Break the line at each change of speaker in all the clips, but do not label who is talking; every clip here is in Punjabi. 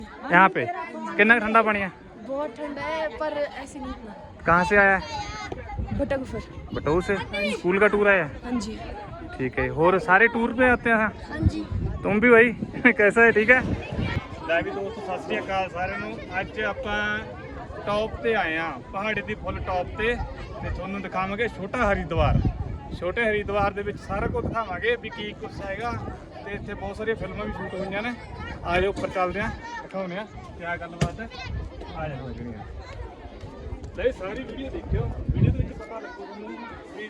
यहाँ पे कितना ठंडा पानी है?
बहुत ठंडा है पर ऐसे नहीं इतना।
कहाँ से आया है?
बटकफर।
बटऊ से? स्कूल का टूर आया?
हाँ जी।
ठीक है। और सारे टूर पे आते हैं?
हाँ जी।
तुम भी भाई कैसा है? ठीक है। ਲੈ ਵੀ ਦੋਸਤੋ ਸਤਿ ਸ੍ਰੀ ਅਕਾਲ ਸਾਰਿਆਂ ਨੂੰ। ਅੱਜ ਆਪਾਂ ਟੌਪ ਤੇ ਆਏ ਆ, ਪਹਾੜੀ ਦੀ ਫੁੱਲ ਟੌਪ ਤੇ ਤੁਹਾਨੂੰ ਦਿਖਾਵਾਂਗੇ ਛੋਟਾ ਹਰੀਦਵਾਰ। ਛੋਟੇ ਹਰੀਦਵਾਰ ਦੇ ਵਿੱਚ ਸਾਰਾ ਕੁਝ ਦਿਖਾਵਾਂਗੇ ਵੀ ਕੀ ਕੁਝ ਹੈਗਾ ਤੇ ਇੱਥੇ ਬਹੁਤ ਸਾਰੀਆਂ ਫਿਲਮਾਂ ਵੀ ਸ਼ੂਟ ਹੋਈਆਂ ਨੇ। ਆ ਜਾਓ ਉੱਪਰ ਚੱਲਦੇ ਆ, ਦਿਖਾਉਂਦੇ ਆ ਕੀ ਗੱਲਬਾਤ ਹੈ। ਆ ਜਾਓ ਲੱਗਣੀਆਂ ਲੈ ਸਾਰੀ ਵੀਡੀਓ ਦੇਖਿਓ, ਵੀਡੀਓ ਦੇ ਵਿੱਚ ਪਤਾ ਲੱਗੂ ਤੁਹਾਨੂੰ ਵੀ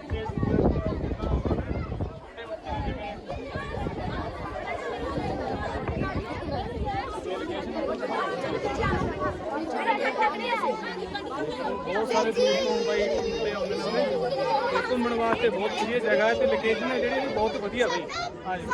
बहुत सारे दोस्त मुंबई घूमते आते हैं घूमने वास्ते। बहुत वधिया जगह है तो लोकेशन है जी बहुत वधिया भाई। हाँ जी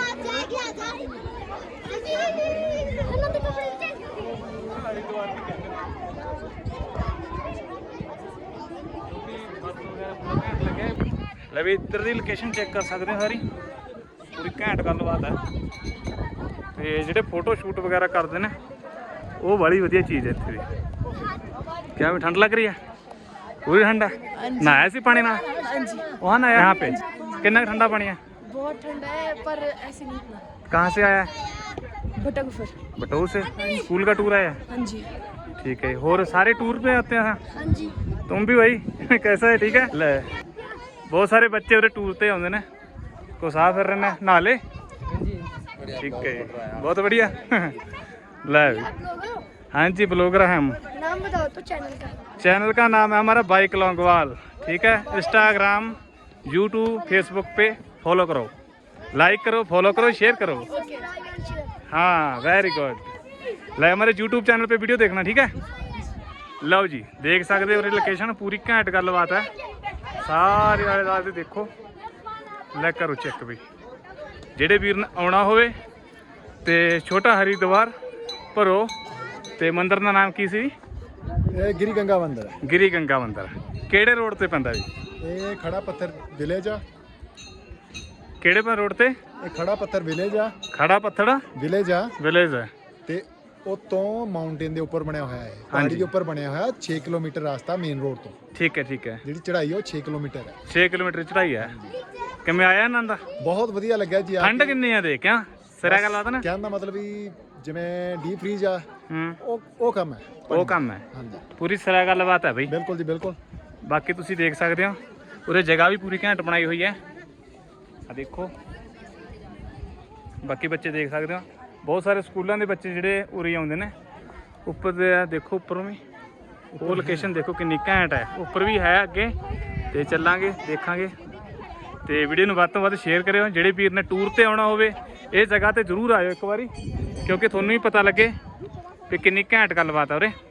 ले भी इधर की लोकेशन चेक कर सकते हैं, सारी पूरी घैंट गलबात है। तो जोड़े फोटो शूट वगैरह करते हैं वो बड़ी वधिया चीज़ है इतने भी। क्या भी ठंड लग रही है? पूरी ठंड है। नहाया सी पानी ना? वहाँ नहाया? यहाँ पे कितना ठंडा पानी है?
बहुत ठंडा है पर ऐसे नहीं इतना।
कहाँ से आया है?
बटकफर।
बटऊ से? स्कूल का टूर आया?
हाँ जी।
ठीक है। और सारे टूर पे आते हैं?
हाँ जी।
तुम भी भाई कैसा है? ठीक है। ले बहुत सारे बच्चे उधर टूर पे आते हैं, कुछ आ फिर रहे हैं, नहा ले। ठीक है, बहुत बढ़िया। ले हाँ जी ब्लॉगर हैं हम।
नाम बताओ तो चैनल का।
चैनल का नाम है हमारा बाइक लॉन्गवाल। ठीक है। इंस्टाग्राम, यूट्यूब, फेसबुक पे फॉलो करो, लाइक करो, फॉलो करो, शेयर करो। हाँ वेरी गुड। ले हमारे यूट्यूब चैनल पे वीडियो देखना। ठीक है। लो जी देख सकते हो लोकेशन पूरी घैंट गलबात है। सारे आले दुआले देखो, ले करो चेक भी। ਜਿਹੜੇ ਵੀਰ ਨੇ ਆਉਣਾ ਹੋਵੇ ਤੇ ਛੋਟਾ ਹਰੀਦਵਾਰ ਭਰੋ ਤੇ ਮੰਦਿਰ ਦਾ ਨਾਮ ਕੀ ਸੀ?
ਇਹ ਗਿਰੀ ਗੰਗਾ ਮੰਦਿਰ।
ਗਿਰੀ ਗੰਗਾ ਮੰਦਿਰ ਕਿਹੜੇ ਰੋਡ ਤੇ ਪੈਂਦਾ ਜੀ?
ਇਹ ਖੜਾ ਪੱਥਰ ਵਿਲੇਜ ਆ।
ਕਿਹੜੇ ਪਾ ਰੋਡ ਤੇ?
ਇਹ ਖੜਾ ਪੱਥਰ ਵਿਲੇਜ ਆ।
ਖੜਾ ਪੱਥੜਾ
ਵਿਲੇਜ ਆ।
ਵਿਲੇਜ ਹੈ
ਤੇ ਉਤੋਂ ਮਾਊਂਟੇਨ ਦੇ ਉੱਪਰ ਬਣਿਆ ਹੋਇਆ ਹੈ, ਪਹਾੜੀ ਦੇ ਉੱਪਰ ਬਣਿਆ ਹੋਇਆ। 6 ਕਿਲੋਮੀਟਰ ਰਸਤਾ ਮੇਨ ਰੋਡ ਤੋਂ।
ਠੀਕ ਹੈ। ਠੀਕ ਹੈ।
ਜਿਹੜੀ ਚੜਾਈ ਉਹ 6 ਕਿਲੋਮੀਟਰ ਹੈ।
6 ਕਿਲੋਮੀਟਰ ਚੜਾਈ ਹੈ। ਕਿਵੇਂ ਆਇਆ ਆਨੰਦ?
ਬਹੁਤ ਵਧੀਆ ਲੱਗਿਆ ਜੀ।
ਠੰਡ ਕਿੰਨੀ ਆ ਦੇਖ? ਕਿਆ ਸਿਰਾ ਗੱਲ ਬਾਤ ਨਾ
ਕਹਿਣ ਦਾ ਮਤਲਬ ਵੀ ਜਿਵੇਂ ਡੀਪ ਫ੍ਰੀਜ ਆ ਉਹ ਕੰਮ ਹੈ।
ਉਹ ਕੰਮ ਹੈ।
ਹਾਂਜੀ
ਪੂਰੀ ਸਿਰਾ ਗੱਲ ਬਾਤ ਹੈ ਬਈ।
ਬਿਲਕੁਲ ਜੀ ਬਿਲਕੁਲ।
ਬਾਕੀ ਤੁਸੀਂ ਦੇਖ ਸਕਦੇ ਹੋ ਉਰੇ ਜਗ੍ਹਾ ਵੀ ਪੂਰੀ ਘੈਂਟ ਬਣਾਈ ਹੋਈ ਹੈ। ਆ ਦੇਖੋ ਬਾਕੀ ਬੱਚੇ ਦੇਖ ਸਕਦੇ ਹੋ, ਬਹੁਤ ਸਾਰੇ ਸਕੂਲਾਂ ਦੇ ਬੱਚੇ ਜਿਹੜੇ ਉਰੇ ਆਉਂਦੇ ਨੇ। ਉੱਪਰ ਦੇ ਦੇਖੋ, ਉੱਪਰੋਂ ਵੀ ਉਹ ਲੋਕੇਸ਼ਨ ਦੇਖੋ ਕਿੰਨੀ ਘੈਂਟ ਹੈ। ਉੱਪਰ ਵੀ ਹੈ ਅੱਗੇ ਤੇ ਚੱਲਾਂਗੇ ਦੇਖਾਂਗੇ। ਤੇ ਵੀਡੀਓ ਨੂੰ ਵੱਧ ਤੋਂ ਵੱਧ ਸ਼ੇਅਰ ਕਰਿਓ। ਜਿਹੜੇ ਵੀਰ ਨੇ ਟੂਰ ਤੇ ਆਉਣਾ ਹੋਵੇ ਇਹ ਜਗ੍ਹਾ ਤੇ ਜ਼ਰੂਰ ਆਇਓ ਇੱਕ ਵਾਰੀ, ਕਿਉਂਕਿ ਤੁਹਾਨੂੰ ਵੀ ਪਤਾ ਲੱਗੇ ਵੀ ਕਿੰਨੀ ਘੈਂਟ ਗੱਲਬਾਤ ਆ ਉਰੇ।